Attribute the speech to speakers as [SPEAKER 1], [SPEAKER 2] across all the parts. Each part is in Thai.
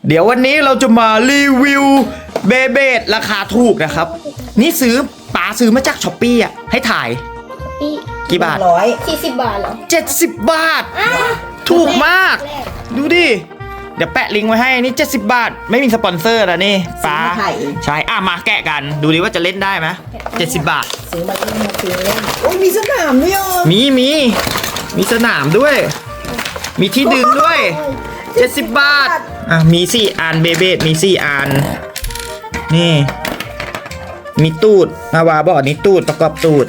[SPEAKER 1] เดี๋ยววันนี้เราจะมารีวิวเบเบดราคาถูกนะครับ นี่ป๋าซื้อมาจากช้อปปี้อ่ะให้ถ่ายกี่บาท
[SPEAKER 2] 40 บาทเหรอ
[SPEAKER 1] 70 บาท ถูกมาก ดูดิ เดี๋ยวแปะลิงก์ไว้ให้นี่70 บาท ไม่มีสปอนเซอร์นะนี่ป๋าใช่มาแกะกันดูดิว่าจะเล่นได้ไหม70 บาท
[SPEAKER 3] ซื้อมาเล่นมาซื้อเล่นโอ้ยมีสนามด้วย
[SPEAKER 1] มีสนามด้วย มีที่ดึงด้วย70 บาทมี4 อันเบเบดมี4 อันนี่มีตูดนาวาบอกนี่ตูดประกอบตูด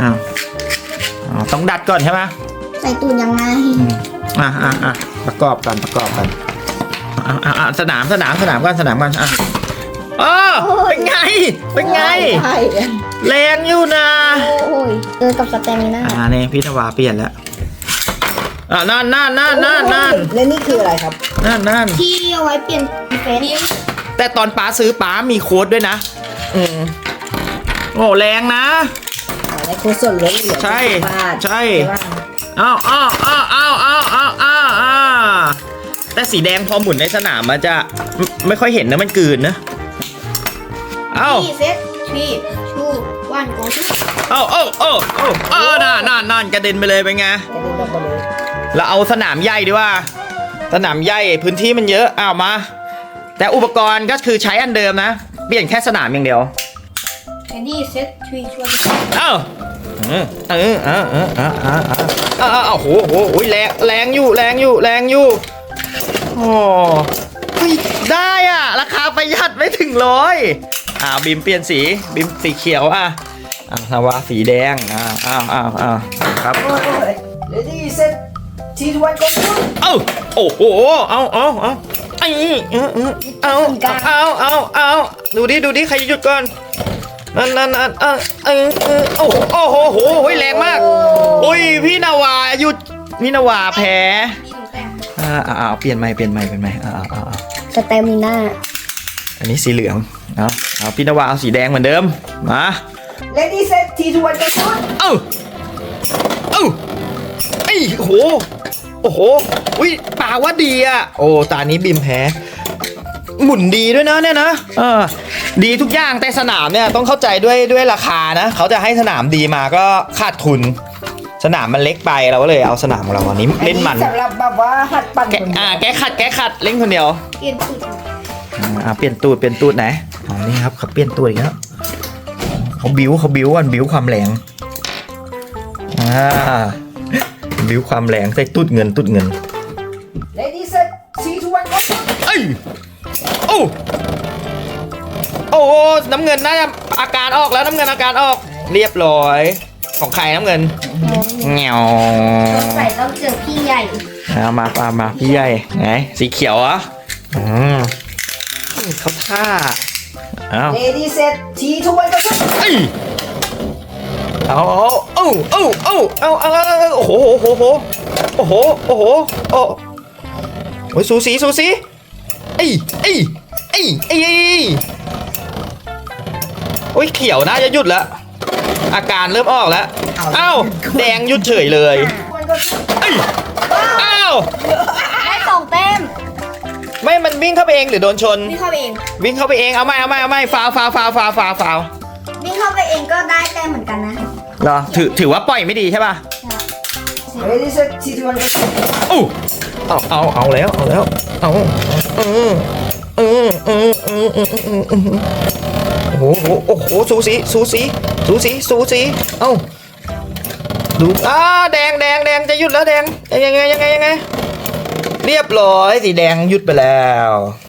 [SPEAKER 1] ต้องดัดก่อนใช่ไหม
[SPEAKER 2] ใส่ตูนยังไง
[SPEAKER 1] ประกอบกันสนามก่อนเป็นไงแรงอยู่นะ
[SPEAKER 2] โอ้ยกับสแตมิน่า
[SPEAKER 1] นี่พี่นาวาเปลี่ยนแล้วนั่น
[SPEAKER 3] และนี่คืออะไรครับ
[SPEAKER 1] นั่น
[SPEAKER 2] ที่เอาไว้เปลี่ยนเฟซ
[SPEAKER 1] แต่ตอนป๋าซื้อป๋ามีโค้ดด้วยนะโอ้แรงนะ
[SPEAKER 3] ได้โค้ดส่วนลดเหลือ
[SPEAKER 1] ใช่แต่สีแดงพอหมุนในสนามมันจะไม่ค่อยเห็นนะมันกลืนนะ
[SPEAKER 2] ที่เซ็ตที่ชูวันโกชู
[SPEAKER 1] นั่นกระเด็นไปเลยเป็นไงเราเอาสนามใหญ่ดีว่าสนามใหญ่พื้นที่มันเยอะมาแต่อุปกรณ์ก็คือใช้อันเดิมนะเปลี่ยนแค่สนามอย่างเดียว
[SPEAKER 2] นี่เซ็ตทรีชวน
[SPEAKER 1] โหแรงอยู่โอ้ได้ราคาประหยัดไม่ถึง100บิมเปลี่ยนสีเขียวนาวาสีแดงครับ
[SPEAKER 3] เลดี้เซ็ตทีทวันก็
[SPEAKER 1] โอ้โหดูดิใครหยุดก่อนนั่นโอ้โหแรงมากพี่นาวาหยุดพี่นาวาแพ้เปลี่ยนใหม่
[SPEAKER 2] สแตมิน่า
[SPEAKER 1] อันนี้สีเหลืองเอาพี่นาวาเอาสีแดงเหมือนเดิมมา
[SPEAKER 3] เลดี้เซ็ตทีทวันก็
[SPEAKER 1] โอ้โหป่าว่าดีตานี้บิมแพ้หมุนดีด้วยนะเนี่ยนะดีทุกอย่างแต่สนามเนี่ยต้องเข้าใจด้วยราคานะเขาจะให้สนามดีมาก็ขาดทุนสนามมันเล็กไปเราก็เลยเอาสนามของเราอันนี้เล่นมัน
[SPEAKER 3] สำหรับแบบว่าหัดปั่น
[SPEAKER 1] แกขัดเล่นคนเดียว
[SPEAKER 2] เปลี่ยนตูด
[SPEAKER 1] เปลี่ยนตูดไหนนี่ครับเขาเปลี่ยนตูดอีกแล้วเขาบิ้วความแรงบิ้วความแรงใส่ตูดเงิน
[SPEAKER 3] Ladies set 3 2 1 go
[SPEAKER 1] โอ้น้ำเงินน่าจะอาการออกแล้วน้ำเงินอาการออกเรียบร้อยของใครน้ำเงินเงี้ยว
[SPEAKER 2] ใส่ต้องเจอพี่ใหญ่
[SPEAKER 1] มาพี่ใหญ่ไงสีเขียวเขาท่า
[SPEAKER 3] Ladies set 3 2 1 go
[SPEAKER 1] โอ้สูสีเขียวน่าจะหยุดแล้วอาการเริ่มออกแล้วแดงหยุดเฉยเลย
[SPEAKER 2] ได้2 แต้ม
[SPEAKER 1] ไม่มันวิ่งเข้าไปเองหรือโดนชน
[SPEAKER 2] วิ่งเข้าไปเอง
[SPEAKER 1] เอาไม่ฟาว
[SPEAKER 2] วิ่งเข้าไปเองก็ได้แต้มเหมือนกันนะ
[SPEAKER 1] เหรอถือว่าปล่อยไม่ดีใช่ป่ะ
[SPEAKER 3] Ladies set 3 2 1 go
[SPEAKER 1] เอาแล้วโอ้โหสูสีดูแดงจะหยุดแล้วแดงยังไงเรียบร้อยสีแดงหยุดไปแล้ว